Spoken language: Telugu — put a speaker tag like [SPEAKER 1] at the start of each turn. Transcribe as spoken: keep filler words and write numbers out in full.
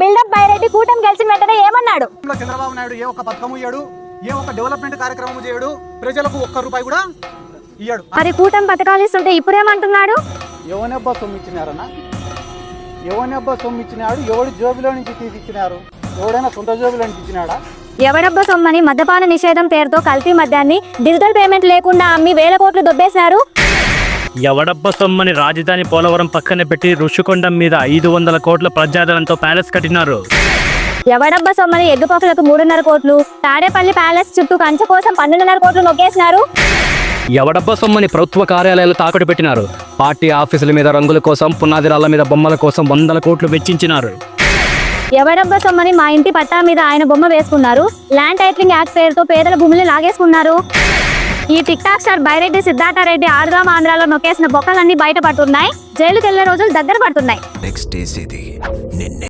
[SPEAKER 1] బిల్డప్ బైరెడ్డి కూటమి గెలిచిన వెంటనే ఏమన్నాడు?
[SPEAKER 2] చంద్రబాబు నాయుడు ఏ ఒక్క పథకం ఇయ్యాడు, ఏ ఒక్క డెవలప్మెంట్ కార్యక్రమం చేయడు, ప్రజలకు ఒక్క రూపాయి కూడా ఇయ్యాడు.
[SPEAKER 1] మరి కూటమి పథకాలు ఇస్తుంటే ఇప్పుడేమంటున్నాడు?
[SPEAKER 2] ఎవనెబ్బా సొమ్ము ఇచ్చినారన్నా, ఎవనెబ్బా సొమ్ము ఇచ్చినాడు, ఎవడి జోబులో నుంచి తీసి ఇచ్చినారు, ఎవడైనా సొంత జోబులో నుంచి ఇచ్చినాడా?
[SPEAKER 1] ఎవడబ్బ సొమ్మని మద్యపాన నిషేధం పేరుతో కల్తీ మద్యాన్ని డిజిటల్ పేమెంట్ లేకుండా అమ్మి వేల కోట్లు దొబ్బేశారు.
[SPEAKER 3] ఎవడబ్బ సొమ్మని రాజధాని పోలవరం పక్కన పెట్టి ఋషికొండ మీద ఐదు వందల కోట్ల ప్రజాదరణతో ప్యాలెస్ కట్టినారు.
[SPEAKER 1] ఎవడబ్బ సొమ్మని ఎగ్గు పఫ్లకు మూడున్నర కోట్లు, తాడేపల్లి ప్యాలెస్ చుట్టూ కంచె కోసం పన్నెండున్నర కోట్లు నొక్కేసినారు.
[SPEAKER 4] ఎవడబ్బ సొమ్మని ప్రభుత్వ కార్యాలయాలు తాకట్టు పెట్టినారు. పార్టీ ఆఫీసుల మీద రంగుల కోసం, పునాది రాళ్ల మీద బొమ్మల కోసం వందల కోట్లు వెచ్చించినారు.
[SPEAKER 1] ఎవడబ్బ సొమ్మని మా ఇంటి పట్టా మీద ఆయన బొమ్మ వేసుకున్నారు. ల్యాండ్ టైటిలింగ్ యాక్ట్ పేరుతో పేదల భూములు లాగేసుకున్నారు. ఈ tik tok star Byreddy Siddhartha Reddy ఆడుదాం ఆంధ్రాలో నొక్కేసిన బొక్కలన్నీ బయటపడుతున్నాయి. జైలుకి వెళ్లే రోజులు దగ్గర పడుతున్నాయి.